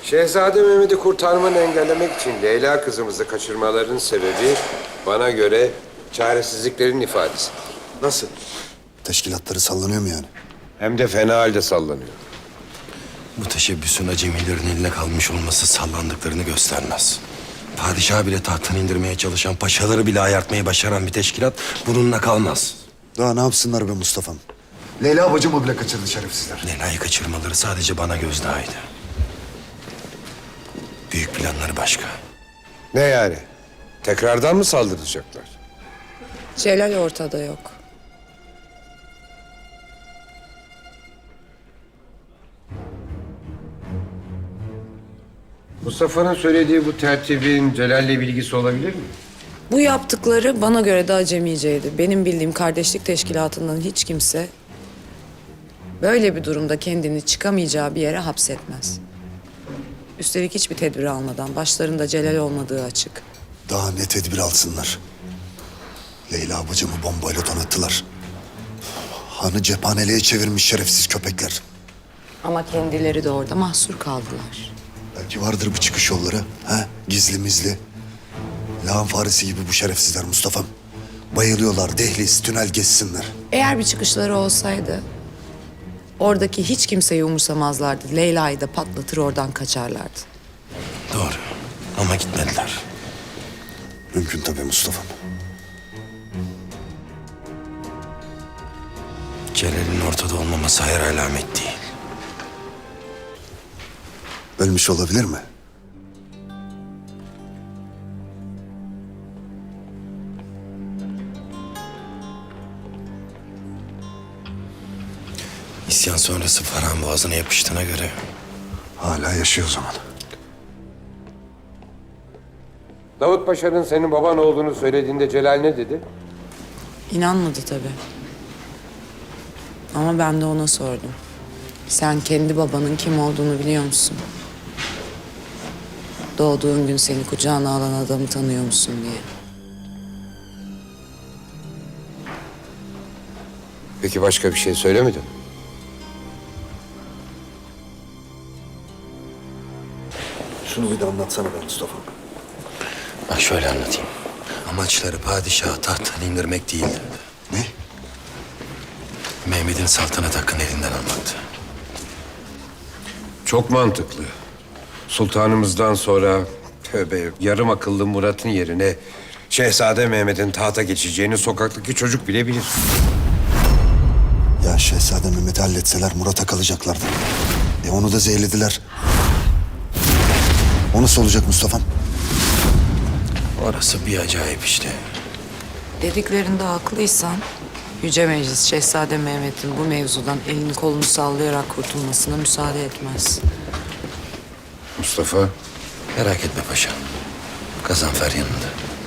Şehzade Mehmet'i kurtarmanı engellemek için Leyla kızımızı kaçırmaların sebebi bana göre çaresizliklerin ifadesi. Nasıl? Teşkilatları sallanıyor mu yani? Hem de fena halde sallanıyor. Bu teşebbüsün acemilerin eline kalmış olması sallandıklarını göstermez. Padişahı bile tahttan indirmeye çalışan, paşaları bile ayartmayı başaran bir teşkilat bununla kalmaz. Daha ne yapsınlar be Mustafa'm? Leyla bacımı bile kaçırdı şerefsizler. Leyla'yı kaçırmaları sadece bana gözdağıydı. Büyük planları başka. Ne yani? Tekrardan mı saldıracaklar? Celal ortada yok. Mustafa'nın söylediği bu tertibin Celal'le bilgisi olabilir mi? Bu yaptıkları bana göre de acemiceydi. Benim bildiğim kardeşlik teşkilatından hiç kimse böyle bir durumda kendini çıkamayacağı bir yere hapsetmez. Üstelik hiçbir tedbir almadan başlarında Celal olmadığı açık. Daha ne tedbir alsınlar? Leyla bacımı bombayla donattılar. Hanı cephaneliğe çevirmiş şerefsiz köpekler. Ama kendileri de orada mahsur kaldılar. Belki vardır bir çıkış yolları. Ha? Gizli mizli. Lağım faresi gibi bu şerefsizler Mustafa'm. Bayılıyorlar dehliz, tünel geçsinler. Eğer bir çıkışları olsaydı oradaki hiç kimseyi umursamazlardı. Leyla'yı da patlatır oradan kaçarlardı. Doğru ama gitmediler. Mümkün tabii Mustafa'm. Celal'in ortada olmaması hayır alamet değil. Ölmüş olabilir mi? İsyan sonrası Farhan boğazına yapıştığına göre Hala yaşıyor o zaman. Davut Paşa'nın senin baban olduğunu söylediğinde Celal ne dedi? İnanmadı tabii. Ama ben de ona sordum. Sen kendi babanın kim olduğunu biliyor musun? Doğduğun gün seni kucağına alan adamı tanıyor musun diye. Peki başka bir şey söylemedin mi? Şunu bir de anlatsana be Mustafa. bak şöyle anlatayım. Amaçları padişahı tahttan indirmek değildi. Ne? Mehmet'in saltanat hakkını elinden almaktı. Çok mantıklı. Sultanımızdan sonra tövbe yarım akıllı Murat'ın yerine Şehzade Mehmet'in tahta geçeceğini sokaktaki çocuk bile bilir. Ya Şehzade Mehmet'i halletseler Murat'a kalacaklardı. Onu da zehirlediler. O nasıl olacak Mustafa'm? Orası bir acayip işte. Dediklerinde haklıysan Yüce Meclis Şehzade Mehmet'in bu mevzudan elini kolunu sallayarak kurtulmasına müsaade etmez. Mustafa, Merak etme paşa. Gazanfer yanında.